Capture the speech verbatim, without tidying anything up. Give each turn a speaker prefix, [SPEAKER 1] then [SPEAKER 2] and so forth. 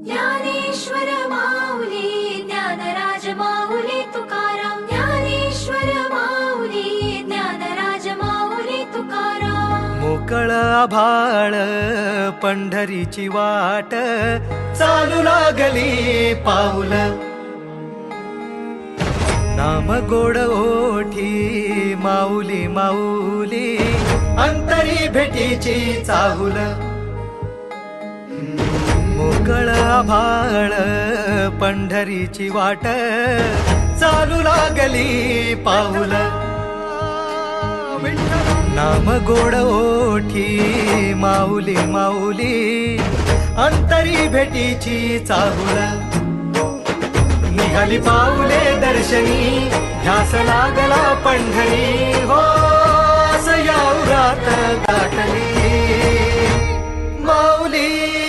[SPEAKER 1] ज्ञानेश्वर माऊली ज्ञानराज माऊली तुकाराम ज्ञानेश्वर माऊली ज्ञानराज माऊली तुकाराम
[SPEAKER 2] मोकळ आभाळ पंढरीची वाट चालू लागली पाऊल नाम गोड ओठी माऊली माऊली अंतरी भेटीची चाहुल मोकळ आभाळ पंढरीची वाट चालू लागली पाऊल नाम गोड ओठी माऊली माऊली अंतरी भेटीची चाहुल निघाली पाऊले दर्शनी ध्यास लागला पंढरी हो असं या उरात गाठली माऊली